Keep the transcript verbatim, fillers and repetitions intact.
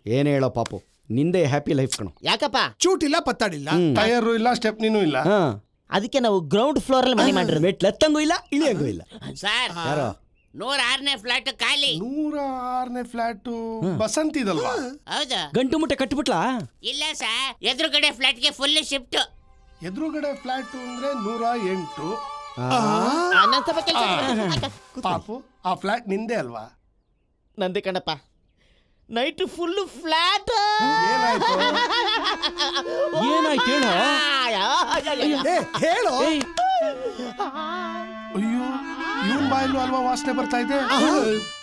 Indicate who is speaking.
Speaker 1: ಏನ್ ಹೇಳೋ ಪಾಪು, ನಿಂದೆ ಹ್ಯಾಪಿ ಲೈಫ್ ಕಣೋ.
Speaker 2: ಯಾಕಪ್ಪ?
Speaker 3: ಚೂಟಿಲ್ಲ, ಪತ್ತಾಡಿಲ್ಲ,
Speaker 4: ಟೈರ್ ಇಲ್ಲ, ಸ್ಟೆಪ್ನಿನೂ ಇಲ್ಲ.
Speaker 1: ಹಾ,
Speaker 2: ಅದಕ್ಕೆ ನಾವು ಗ್ರೌಂಡ್ ಫ್ಲೋರ್ ಅಲ್ಲಿ ಮನೆ ಮಾಡಿರೋದು.
Speaker 1: ಮೆಟ್ಲು ಎತ್ತಂಗೂ ಇಲ್ಲ, ಇಳಿಯಂಗೂ ಇಲ್ಲ.
Speaker 5: ಸರ್,
Speaker 1: ಯಾರೋ
Speaker 5: ನೂರ ಆರನೇ ಫ್ಲಾಟ್ ಖಾಲಿ.
Speaker 4: ನೂರ ಆರನೇ ಫ್ಲಾಟ್ ಬಸಂತಿದಲ್ವಾ?
Speaker 5: ಹೌದಾ?
Speaker 1: ಗಂಟು ಮುಟ್ಟೆ ಕಟ್ಬಿಟ್ಲಾ?
Speaker 5: ಇಲ್ಲ ಸರ್, ಎದುರುಗಡೆ ಫ್ಲಾಟ್ಗೆ ಫುಲ್ ಶಿಫ್ಟ್.
Speaker 4: ಎದುರುಗಡೆ ಫ್ಲಾಟ್ ಅಂದ್ರೆ ನೂರ ಎಂಟು.
Speaker 2: ನನ್ನ ಸ್ವಲ್ಪ ಕೆಲ್ಸ.
Speaker 4: ಪಾಪು, ಆ ಫ್ಲಾಟ್ ನಿಂದೆ ಅಲ್ವಾ?
Speaker 2: ನಂದೆ ಕಣಪ್ಪ. Night full flat.
Speaker 4: ಏನಾಯ್ತು?
Speaker 1: ಏನಾಯ್ತು ಹೇಳೋ?
Speaker 3: ಏ ಹೇಳು.
Speaker 4: ಅಯ್ಯೋ, ಇವನ್ ಬಾಯಲ್ಲೂ ಅಲ್ವಾ ವಾಸನೆ ಬರ್ತಾ ಇದೆ.